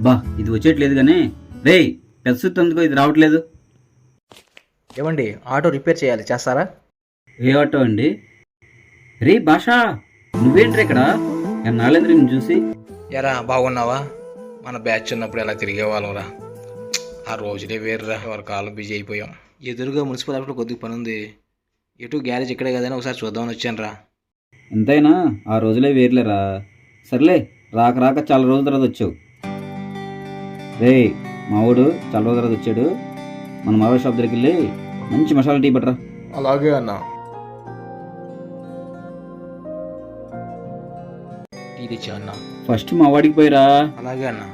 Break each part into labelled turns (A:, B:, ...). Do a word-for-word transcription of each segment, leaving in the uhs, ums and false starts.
A: బా ఇది వచ్చేట్లేదు కానీ రే పెద్ద సుత్తి ఎందుకో ఇది రావట్లేదు.
B: ఏమండి ఆటో రిపేర్ చేయాలి, చేస్తారా?
A: ఏ ఆటో అండి? రే భాషా, నువ్వేంట్రా ఇక్కడ? నాలేంద్ర నేను చూసి.
B: ఎరా బాగున్నావా? మన బ్యాచ్ ఉన్నప్పుడు ఎలా తిరిగేవాళ్ళంరా, ఆ రోజులే వేరురా. ఎవరి కాలం బిజీ అయిపోయాం. ఎదురుగా మున్సిపల్ ఆఫీస్లో కొద్దిగా పని ఉంది, ఎటు గ్యారేజ్ ఇక్కడే కదని ఒకసారి చూద్దామని వచ్చాను రా.
A: ఎంతైనా ఆ రోజులే వేర్లేరా. సర్లే, రాక రాక చాలా రోజుల తర్వాత వచ్చావు. రే మావాడు చాలా రోజుల తర్వాత వచ్చాడు, మన మావాడి షాప్ దగ్గరికి వెళ్ళి మంచి మసాలా టీ పట్టరా.
B: అలాగే అన్న. టీ తెచ్చా అన్న.
A: ఫస్ట్ మా వాడికి పోయిరా.
B: అలాగే అన్న.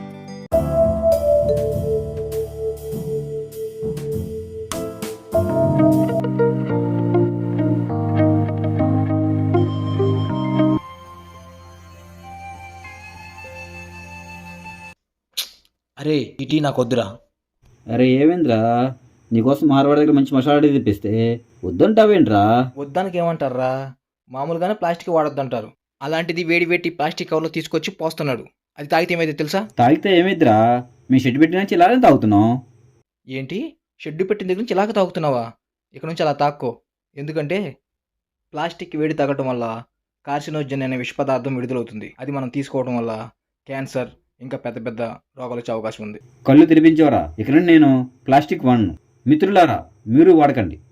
B: అరే ఈ టీ నాకు వద్దురా.
A: అరే ఏమేంద్రా, నీకోసం మార్వాడి దగ్గర మంచి మసాలా టీ తెప్పిస్తే వద్దంటావేంట్రా?
B: వద్దానికి ఏమంటారా, మామూలుగానే ప్లాస్టిక్ వాడొద్దంటారు, అలాంటిది వేడి వేడి ప్లాస్టిక్ కవర్లో తీసుకొచ్చి పోస్తున్నాడు. అది తాగితే ఏమైతే తెలుసా?
A: తాగితే ఏమైద్దిరా, మీ షెడ్ పెట్టిన నుంచి ఇలానే తాగుతున్నావు.
B: ఏంటి, షెడ్డు పెట్టిన దగ్గర నుంచి ఇలాగ తాగుతున్నావా? ఇక్కడ నుంచి అలా తాక్కో. ఎందుకంటే ప్లాస్టిక్ వేడి తాగటం వల్ల కార్సినోజన్ అనే విష పదార్థం విడుదలవుతుంది. అది మనం తీసుకోవడం వల్ల క్యాన్సర్ ఇంకా పెద్ద పెద్ద రోగాలు వచ్చే అవకాశం ఉంది.
A: కళ్ళు తెరిపించేవరా, ఇక్కడ నేను ప్లాస్టిక్ వాడను. మిత్రులారా, మీరు వాడకండి.